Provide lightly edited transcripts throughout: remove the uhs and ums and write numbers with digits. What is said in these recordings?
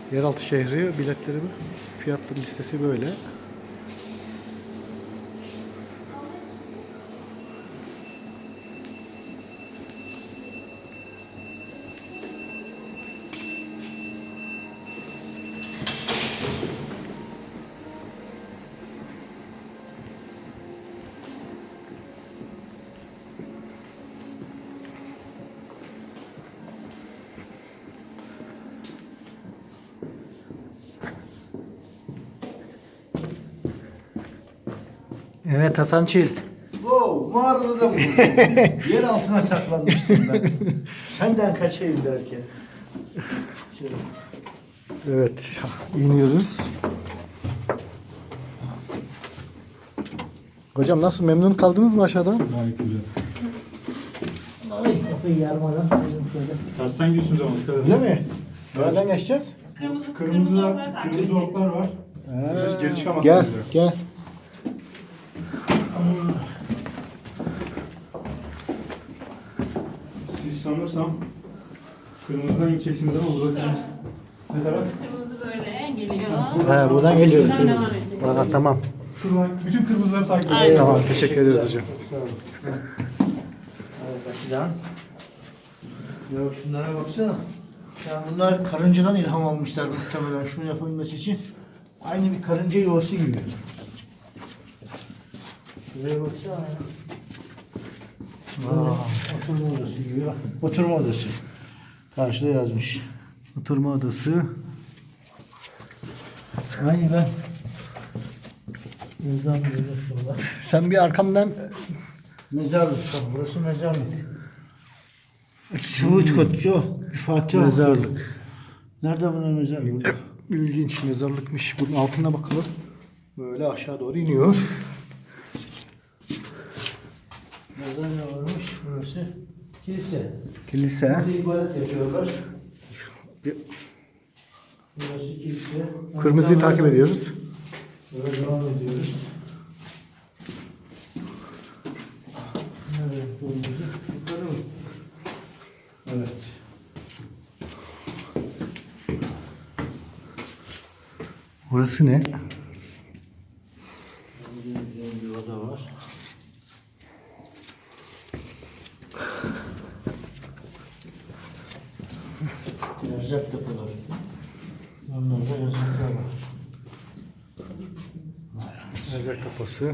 Yeraltı şehri biletleri fiyatlı listesi böyle. Evet Hasan Çil. Wow, mağarada da buldum. Yer altına saklanmıştım ben. Senden kaçayım derken. Şöyle. Evet iniyoruz. Hocam nasıl, memnun kaldınız mı aşağıda? Gayet güzel. Ay kafayı yarmadan dedim şöyle. Tersten gidiyorsunuz ama dikkat edin. Öyle mi? Nereden geçeceğiz? Kırmızı oklar var. Siz geri çıkamazsınız. Gel diyor. gel. Siz sanırsam kırmızıdan gideceksiniz ama burada temiz. Ne taraf? Kırmızı böyle geliyor. He, buradan geliyoruz. Şuradan devam edeceğiz. Aa, tamam. Şuradan bütün kırmızıları takip Aynen. edeceğiz. Tamam, teşekkür ederiz hocam. Evet Akidan. Ya şunlara baksana. Ya bunlar karıncadan ilham almışlar muhtemelen şunu yapabilmesi için. Aynı bir karınca yuvası gibi. Şuraya baksana ya. Oturma odası gibi bak. Oturma odası. Karşıda yazmış. Oturma odası. Aynı ben. Buradan böyle şurada. Sen bir arkamdan Mezarlık. Bak burası mezarlık. Şuhut Kutçu. Bir Fatiha Mezarlık. okuyor. Nerede bunun mezarlık? Burada. ilginç mezarlıkmış. Bunun altına bakalım. Böyle aşağı doğru iniyor. Burada ne varmış? Burası kilise. Kilise. Burada ibadet yapıyorlar. Bir- Burası kilise. Kırmızıyı takip ediyoruz. Böyle devam ediyoruz. Nerede kırmızı? Yukarı mı? Evet. Burası ne? Güzel bir oda var. Erzak depoları. Onlarda erzaklar var. Erzak kapısı.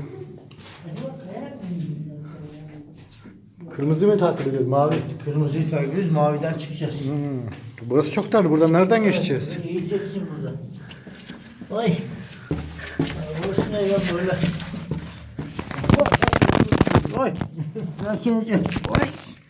Kırmızı mı takip ediyoruz? Mavi. Kırmızıyı takip ediyoruz, maviden çıkacağız. Burası çok dar. Buradan nereden geçeceğiz? Yiyeceksin burada. Oy. Burası ne ya böyle? Oy. Sakin ol. Oy.